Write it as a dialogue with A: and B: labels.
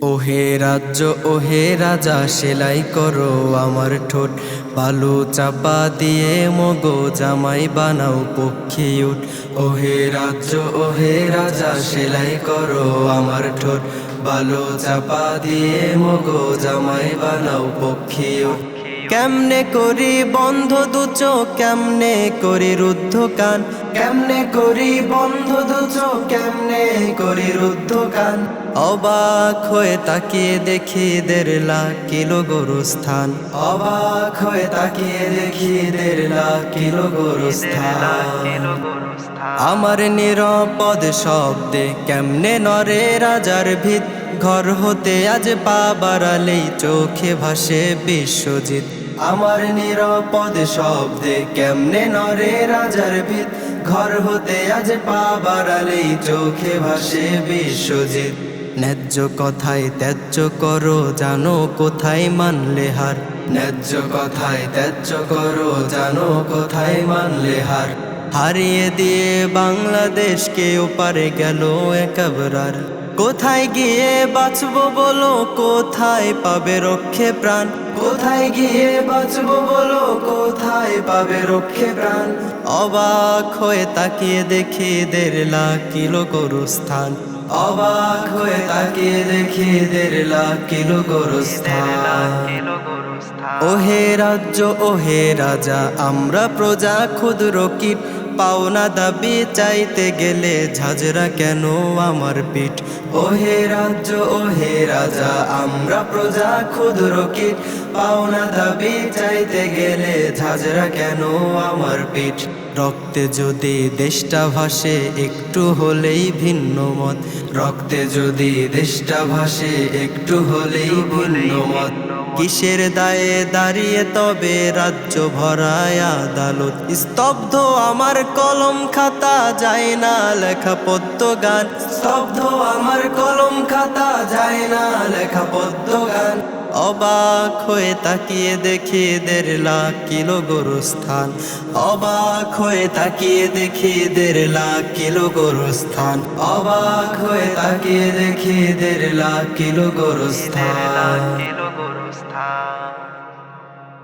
A: ওহে রাজ্য ওহে রাজা সেলাই করো আমার ঠোঁট, বালু চাপা দিয়ে মগো জামাই বানাও পক্ষী উঠ। ওহে রাজ্য ওহে রাজা সেলাই করো আমার ঠোঁট, বালু চাপা দিয়ে মগো জামাই বানাও পক্ষী উঠ। কেমনে করি বন্ধ দু চোখ, কেমনে করি রুদ্ধ কান, কেমনে করি বন্ধ দু চোখ, কেমনে করি রুদ্ধ কান। অবাক হয়ে তাকিয়ে দেখি 1.5 লাখ কিলো গোরস্থান, অবাক হয়ে তাকিয়ে দেখি 1.5 লাখ কিলো গোরস্থান। আমার নিরাপদ শব্দে কেমনে নরে রাজার ভিত, ঘর হতে আজ পা বাড়ালেই চোখে ভাসে বিশ্বজিৎ। আমার নিরাপদ শব্দে কেমনে নরে রাজার ভিত, ঘর হতে আজ পা বাড়ালেই চোখে ভাসে বিশ্বজিৎ। ন্যায্য কথায় ত্যায্য করো জানো কোথায় মানলে হার, ন্যায্য কথায় ত্যায্য করো জানো কোথায় মানলে হার। হারিয়ে দিয়ে বাংলাদেশকে ওপারে গেল একেবারে, কোথায় গিয়ে বাঁচবো বলো, কোথায় পাবে রক্ষে প্রাণ, কোথায় গিয়ে বাঁচবো বলো, কোথায় পাবে রক্ষে প্রাণ। অবাক হয়ে তাকিয়ে দেখি 1.5 লাখ কিলো গোরস্থান, অবাক হয়ে তাকিয়ে দেখি 1.5 লাখ কিলো গোরস্থান। ওহে রাজ্য ওহে রাজা আমরা প্রজা ক্ষুদ্র কীট, পাওনা দাবি চাইতে গেলে ঝাঁঝরা কেন আমার পিঠ। ওহে রাজ্য ওহে রাজা আমরা প্রজা ক্ষুদ্র কীট, পাওনা দাবি চাইতে গেলে ঝাঁঝরা কেন আমার পিঠ। রক্তে যদি দেশটা ভাসে একটু হলেই ভিন্ন মত, রক্তে যদি দেশটা ভাসে একটু হলেই ভিন্ন মত। কিসের দায়ে দাঁড়িয়ে তবে রাজ্য ভরায় আদালত, স্তব্ধ আমার কলম খাতা যায় না লেখা পদ্য গান, স্তব্ধ আমার কলম খাতা যায় না লেখা পদ্য গান। অবাক হয়ে তাকিয়ে দেখি 1.5 লাখ কিলো গোরস্থান, অবাক হয়ে তাকিয়ে দেখি 1.5 লাখ কিলো গোরস্থান, অবাক হয়ে তাকিয়ে দেখি 1.5 লাখ কিলো গোরস্থান।